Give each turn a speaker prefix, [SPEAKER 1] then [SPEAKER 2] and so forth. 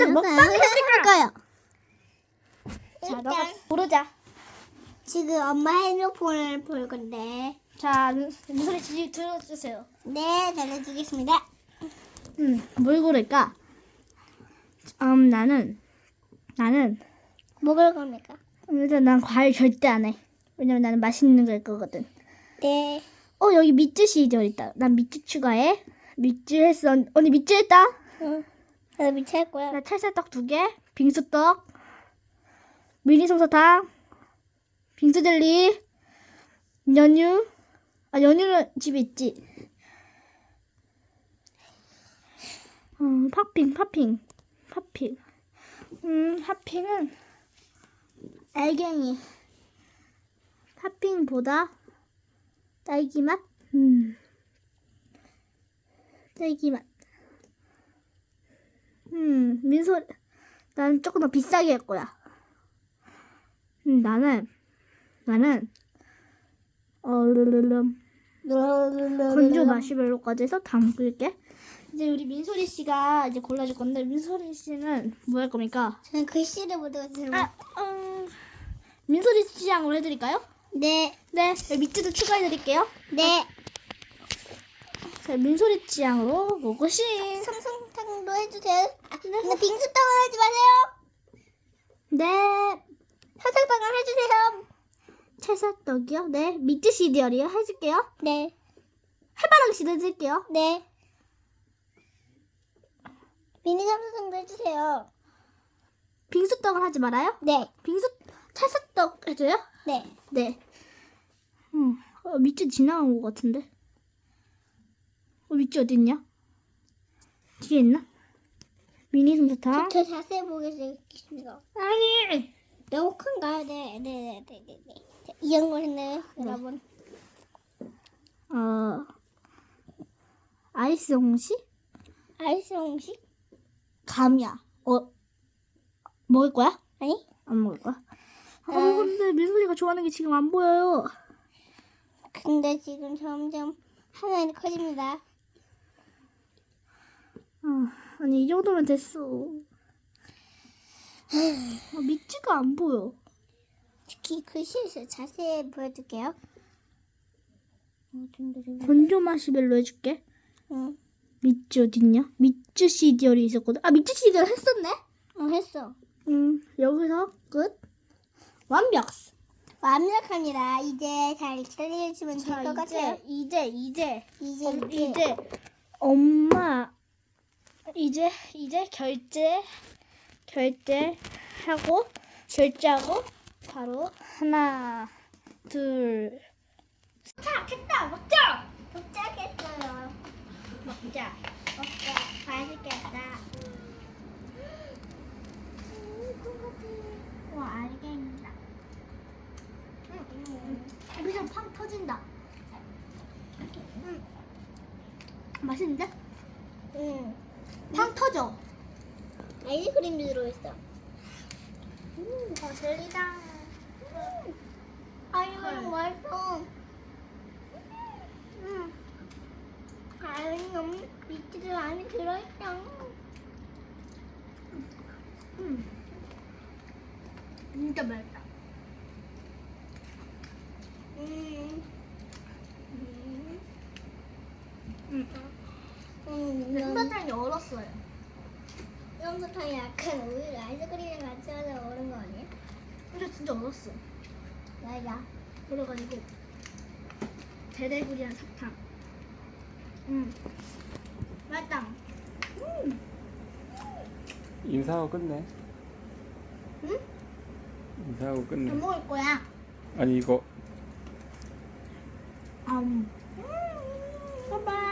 [SPEAKER 1] 오늘 먹방 해볼 거예요.
[SPEAKER 2] 자, 너가 고르자.
[SPEAKER 1] 지금 엄마 핸드폰을 볼 건데.
[SPEAKER 2] 자, 민소리 지 들어주세요.
[SPEAKER 1] 네, 잘해주겠습니다.
[SPEAKER 2] 뭘 고를까? 나는
[SPEAKER 1] 먹을 겁니까?
[SPEAKER 2] 일단 난 과일 절대 안 해. 왜냐면 나는 맛있는 걸 거거든.
[SPEAKER 1] 네.
[SPEAKER 2] 여기 미츠 시리얼 있다. 난 미츠 추가해. 미츠 했어. 언니 미츠 했다.
[SPEAKER 1] 응. 나 미쳐 할 거야.
[SPEAKER 2] 나 찰쌀떡 2개, 빙수떡, 미니 솜사탕, 빙수 젤리, 연유. 연유는 집에 있지. 팥핑. 팥핑은 알갱이. 팥핑보다 딸기 맛? 딸기 맛. 민소리. 나는 조금 더 비싸게 할 거야. 나는 건조 마시멜로까지 해서 담글게. 이제 우리 민소리 씨가 이제 골라줄 건데, 민소리 씨는 뭐 할 겁니까?
[SPEAKER 1] 저는 글씨를 못 외웠어요.
[SPEAKER 2] 민소리 씨 양으로 해드릴까요?
[SPEAKER 1] 네.
[SPEAKER 2] 네, 밑에도 추가해드릴게요.
[SPEAKER 1] 네.
[SPEAKER 2] 자, 민소리 취향으로 고고싱.
[SPEAKER 1] 솜솜탕도 해주세요. 근데 빙수떡은 하지 마세요.
[SPEAKER 2] 네.
[SPEAKER 1] 사탕빵을 해주세요.
[SPEAKER 2] 찰쌀떡이요? 네. 미트 시리얼이요? 해줄게요.
[SPEAKER 1] 네.
[SPEAKER 2] 해바라기 씨도 해줄게요.
[SPEAKER 1] 네. 미니 솜솜탕도 해주세요.
[SPEAKER 2] 빙수떡을 하지 말아요?
[SPEAKER 1] 네.
[SPEAKER 2] 찰쌀떡 해줘요?
[SPEAKER 1] 네.
[SPEAKER 2] 네. 미트 지나간 것 같은데. 미트 어디 있냐? 뒤에 있나? 미니 솜사탕.
[SPEAKER 1] 더 자세히 보겠습니다.
[SPEAKER 2] 아니.
[SPEAKER 1] 너무 큰가요? 네. 이런 걸 했네요, 여러분.
[SPEAKER 2] 아이스 홍시?
[SPEAKER 1] 아이스 홍시?
[SPEAKER 2] 감이야. 먹을 거야?
[SPEAKER 1] 아니?
[SPEAKER 2] 안 먹을 거야? 근데 민소리가 좋아하는 게 지금 안 보여요.
[SPEAKER 1] 근데 지금 점점 화면이 커집니다.
[SPEAKER 2] 아니 이 정도면 됐어. 미츠가 안 보여.
[SPEAKER 1] 특히 글씨에서 자세히 보여줄게요.
[SPEAKER 2] 건조 마시멜로 해줄게.
[SPEAKER 1] 응.
[SPEAKER 2] 미츠 어딨냐? 미츠 시리얼이 있었거든. 미츠 시리얼 했었네?
[SPEAKER 1] 했어.
[SPEAKER 2] 여기서 끝.
[SPEAKER 1] 완벽합니다. 이제 잘 기다려주시면 될 것 같아요.
[SPEAKER 2] 이제 엄마 이제 결제하고 바로 하나 둘.
[SPEAKER 1] 됐다. 먹자. 도착했어요.
[SPEAKER 2] 먹자.
[SPEAKER 1] 맛있겠다.
[SPEAKER 2] 와 알갱이다. 여기서 팡 터진다. 맛있는데? 팡 터져.
[SPEAKER 1] 아이스크림도 들어있어.
[SPEAKER 2] 젤리다.
[SPEAKER 1] 아이스크림 맛있어. 아이스크림 밑에도 안에 들어있어.
[SPEAKER 2] 진짜 맛있다. 솜사탕이 얼었어요.
[SPEAKER 1] 솜사탕이 약간 오히려 아이스크림이랑 같이 하면 얼은 거 아니야?
[SPEAKER 2] 근데 진짜 얼었어.
[SPEAKER 1] 맞아.
[SPEAKER 2] 그래가지고 대대구리한 사탕. 맛있다.
[SPEAKER 3] 인사하고 끝내.
[SPEAKER 2] 응?
[SPEAKER 3] 인사하고 끝내.
[SPEAKER 2] 안 먹을 거야.
[SPEAKER 3] 아니 이거
[SPEAKER 2] 봐봐.